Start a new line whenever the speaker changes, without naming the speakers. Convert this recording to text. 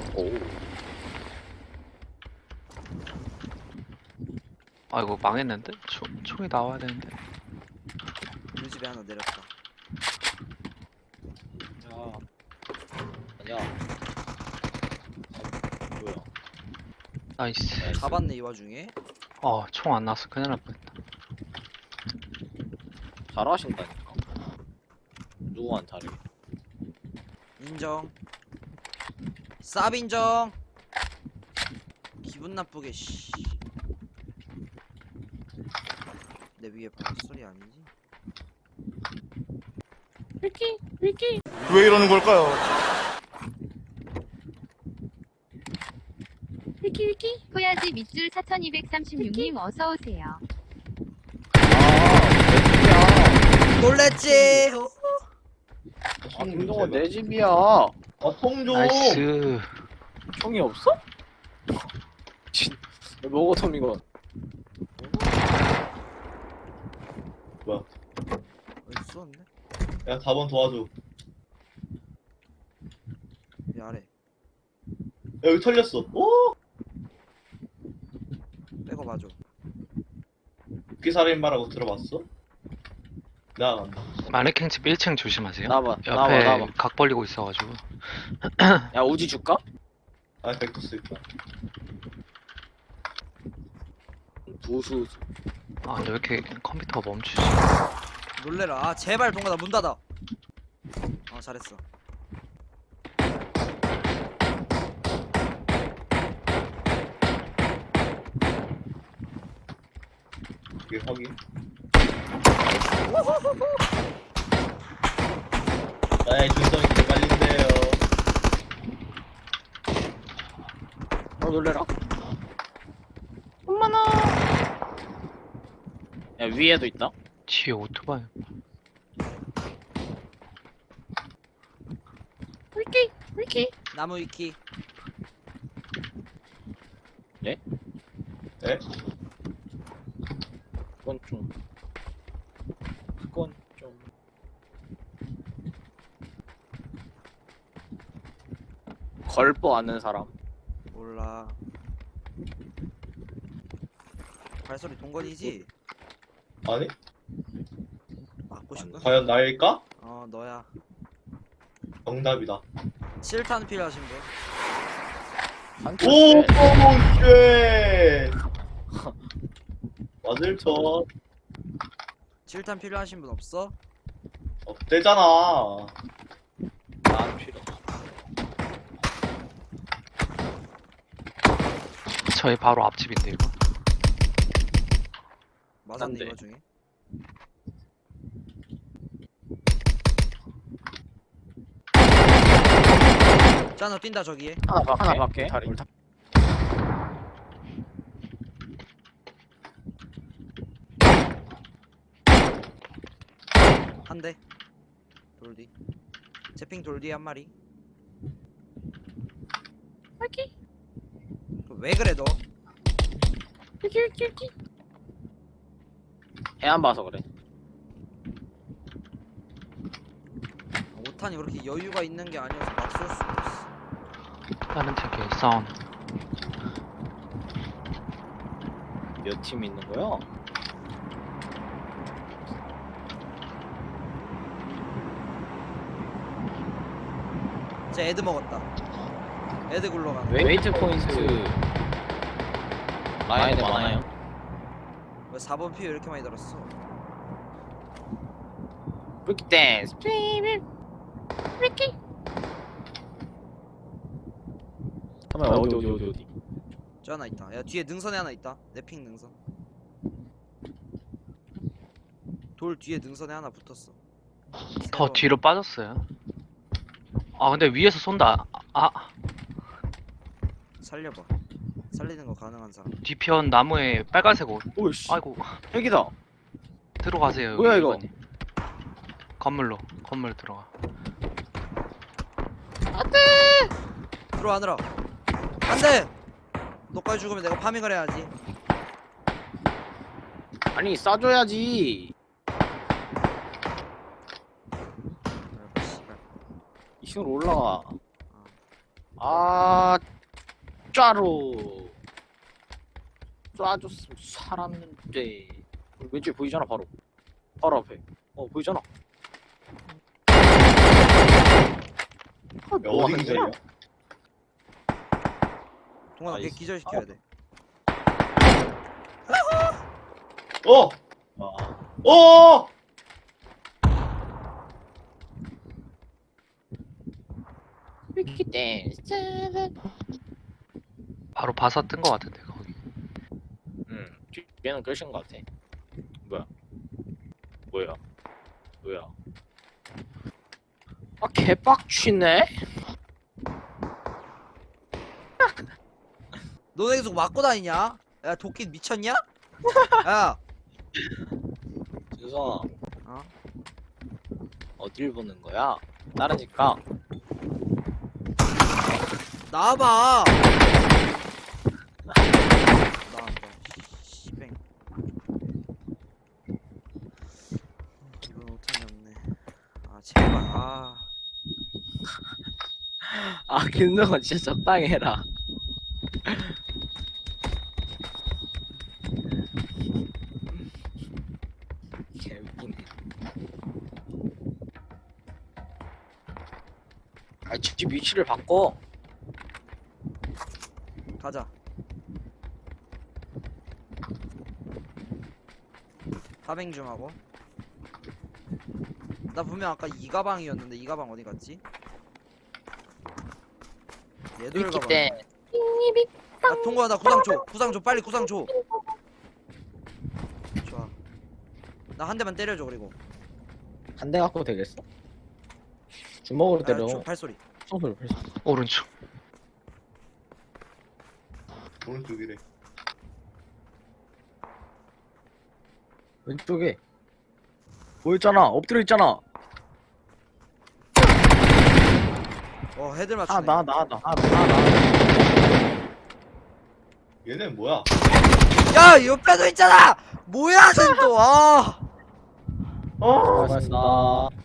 오.
아이고 망했는데? 총이 나와야 되는데.
우리 집에 하나 내렸다.
야. 아니야. 뭐야?
나이스.
잡았네 이 와중에.
총 안 나왔어. 큰일 날 뻔했다.
잘하신다니까. 누구한 다르게.
인정. 쌉 인정. 기분 나쁘게 씨. 내 위에 바로 소리 아니지?
왜 이러는 걸까요?
코야지 밑줄 4236님 어서오세요.
놀랬지?
아, 김동원 내 집이야.
통 좀.
나이스.
총이 없어? 진. 뭐고 톰 이거?
뭐야?
어디 쏘는데?
야, 4번 도와줘.
이 아래.
야, 여기 털렸어. 오!
빼고 봐줘.
국기살인마라고 들어봤어? 나간다.
마네킹 집 1층 조심하세요.
나봐.
옆에
나봐.
각 벌리고 있어가지고.
야 우지 줄까?
아, 벡터 쓸까?
두수.
근데 왜 이렇게 컴퓨터가 멈추지?
놀래라. 아 제발 동가다 문 닫아. 잘했어.
이게 확인. 나의 준성이 개발린데요.
놀래라. 엄마나. 야 위에도 있다.
뒤에 오토바이.
나무 위키.
예?
에?
그건 좀. 그건 좀. 걸보 아는 사람.
몰라. 발소리 동건이지?
아니?
맞고 싶나?
과연 나일까?
너야.
정답이다.
7탄 필요하신 분?
오, 쉣! 맞을 쳐.
7탄 필요하신 분 없어?
없대잖아.
난 필요.
저희 바로 앞집인데 이거.
맞았네
난데.
이 와중에. 짠너 뛴다 저기에.
하나 밖에.
한 대. 돌뒤. 제핑 돌뒤 한 마리. 왜 그래 너?
해안 봐서 그래.
5탄이 그렇게 여유가 있는 게 아니어서 막 쏠 수가 없어.
다른 팀끼리 사운드.
몇 팀 있는 거야?
쟤 애드 먹었다. 애드 굴러가는.
웨이트 포인트 라인에 많아요.
왜 4번 피 왜 이렇게 많이 들었어?
브레이크 댄스. 잠깐만 어디.
저 하나 있다. 야 뒤에 능선에 하나 있다. 내 핑 능선. 돌 뒤에 능선에 하나 붙었어.
더 뒤로 빠졌어요. 근데 위에서 쏜다.
살려봐. 살리는 거 가능한 사람.
뒤편 나무에 빨간색 옷.
오이씨.
아이고
핵이다.
들어가세요.
뭐야, 이거?
이번에. 건물 들어가.
들어와느라. 안돼. 너까지 죽으면 내가 파밍을 해야지.
아니 싸줘야지.
씨발.
2층으로 올라가. 아, 짜로. 쏴줬으면 살았는데. 왼쪽에 보이잖아, 바로. 바로 앞에. 보이잖아. 아,
야,
뭐
어디
하는
기절이야?
거야?
동환아 걔
나이스.
기절시켜야 돼.
어!
아,
어!
위키 댄스.
바로 바사 뜬 거 같은데 거기.
뒤에는 끝인 것 같아. 뭐야? 뭐야? 뭐야? 아, 개빡치네?
너네 계속 맞고 다니냐? 야 도끼 미쳤냐? 야
준성아.
어?
어딜 보는 거야? 따르니까.
나와봐. 나왔다. 씨뱅. 이번 오탄이 없네. 아 제발. 아
아, 김동건 진짜 적당히 해라. 개웃기네. 아, 집 위치를 바꿔.
가자. 파뱅 좀 하고. 나 분명 아까 이 가방이었는데 이 가방 어디 갔지? 얘들
위키
가방.
댄스.
야 통과야 나 구상 줘. 구상 줘. 빨리 구상 줘. 좋아. 나 한 대만 때려줘 그리고.
한 대 갖고 되겠어? 주먹으로 때려.
발소리.
손으로 발소.
오른쪽.
오른쪽이래.
왼쪽에. 보였잖아. 엎드려 있잖아.
헤드 맞추네.
얘네 뭐야?
야 옆에도 있잖아. 뭐야 쟤 또. 아.
어!
고맙습니다.